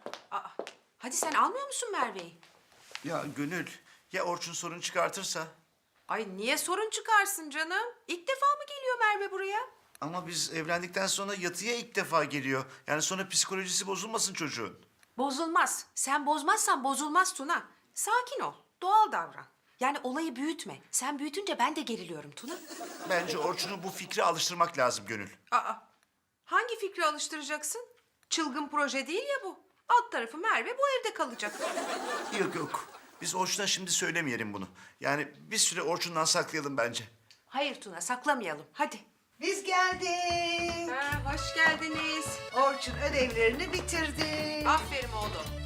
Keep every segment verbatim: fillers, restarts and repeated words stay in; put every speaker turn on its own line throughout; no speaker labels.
Aa, hadi sen almıyor musun Merve'yi?
Ya Gönül, ya Orçun sorun çıkartırsa?
Ay niye sorun çıkarsın canım? İlk defa mı geliyor Merve buraya?
Ama biz evlendikten sonra yatıya ilk defa geliyor. Yani sonra psikolojisi bozulmasın çocuğun.
Bozulmaz. Sen bozmazsan bozulmaz Tuna. Sakin ol, doğal davran. Yani olayı büyütme. Sen büyütünce ben de geriliyorum Tuna.
Bence Orçun'u bu fikre alıştırmak lazım Gönül.
Aa, hangi fikri alıştıracaksın? Çılgın proje değil ya bu. Alt tarafı Merve bu evde kalacak.
Yok yok, biz Orçun'a şimdi söylemeyelim bunu. Yani bir süre Orçun'dan saklayalım bence.
Hayır Tuna, saklamayalım. Hadi.
Biz geldik.
Ha, hoş geldiniz.
Orçun ödevlerini bitirdi.
Aferin oğlum.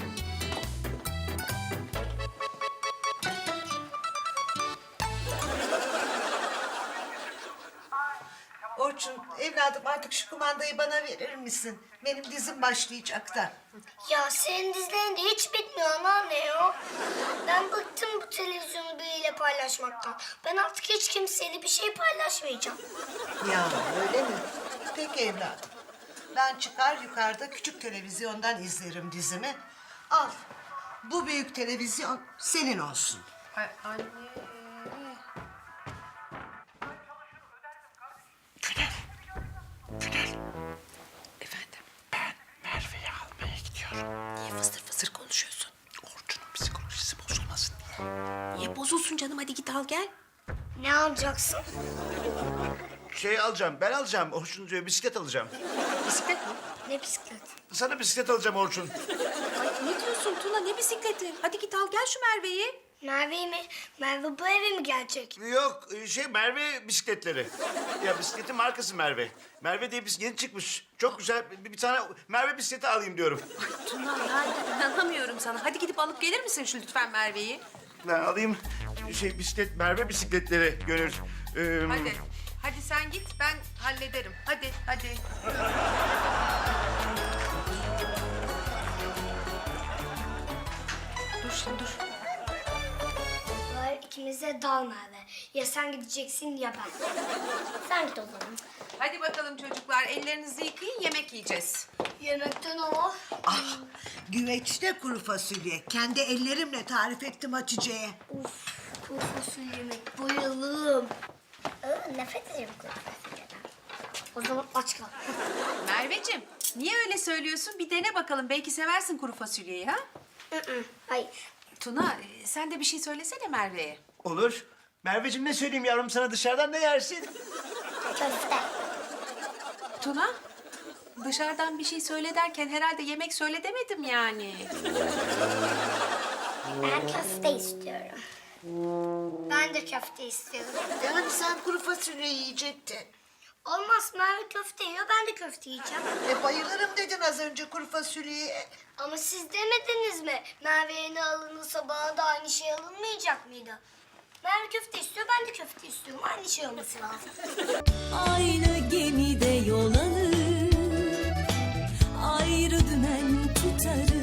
Orçun evladım artık şu kumandayı bana verir misin? Benim dizim başlayacak da.
Ya senin dizilerin de hiç bitmiyor anneanne ya. Ben bıktım bu televizyonu biriyle paylaşmaktan. Ben artık hiç kimseyle bir şey paylaşmayacağım.
Ya öyle mi? Peki evladım. Ben çıkar yukarıda küçük televizyondan izlerim dizimi. Al. Bu büyük televizyon senin olsun.
Ay, anne. Efendim?
Ben Merve'yi almaya gidiyorum.
Niye fısır fısır konuşuyorsun?
Orçun'un psikolojisi bozulmasın diye.
Niye bozulsun canım? Hadi git al gel.
Ne alacaksın?
Şey alacağım, ben alacağım. Orçun diyor, bisiklet alacağım.
Bisiklet mi?
Ne bisiklet?
Sana bisiklet alacağım Orçun.
Ay ne diyorsun Tuna? Ne bisikleti? Hadi git al gel şu Merve'yi.
Merve mi? Merve bu eve mi gelecek?
Yok, şey Merve bisikletleri. Ya bisikletin markası Merve. Merve diye bisiklet yeni çıkmış. Çok güzel. Bir, bir tane Merve bisikleti alayım diyorum.
Tuna yani inanamıyorum sana. Hadi gidip alıp gelir misin şu lütfen Merve'yi?
Ben alayım şey bisiklet, Merve bisikletleri Gönül. Ee,
Hadi. Hadi sen git ben hallederim. Hadi hadi. Dur şimdi dur.
Var ikimize dal Merve. Ya sen gideceksin ya ben. Sen git o zaman.
Hadi bakalım çocuklar ellerinizi yıkayın yemek yiyeceğiz.
Yemekten o.
Ah, güveçte kuru fasulye. Kendi ellerimle tarif ettim Hatice'ye.
Uf, kuru fasulye yemek. Bayılırım. Aa, nefret ederim kuru fasulyeden. O zaman aç kal.
Merveciğim niye öyle söylüyorsun? Bir dene bakalım belki seversin kuru fasulyeyi ha?
Hı hı, hayır.
Tuna e, sen de bir şey söylesene Merve'ye.
olur. Merveciğim ne söyleyeyim yavrum sana dışarıdan ne yersin?
Köfte.
Tuna dışarıdan bir şey söyle derken herhalde yemek söyle demedim yani.
Ben köfte istiyorum. Ben de köfte istiyorum.
Yani sen kuru fasulye yiyecektin.
Olmaz Merve köfte yiyor, ben de köfte yiyeceğim.
E bayılırım dedin az önce kuru fasulyeye.
Ama siz demediniz mi? Merve'ye ne alınırsa bana da aynı şey alınmayacak mıydı? Merve köfte istiyor, ben de köfte istiyorum. Aynı şey olması lazım.
Aynı gemide yol alır, ayrı dümen tutarız.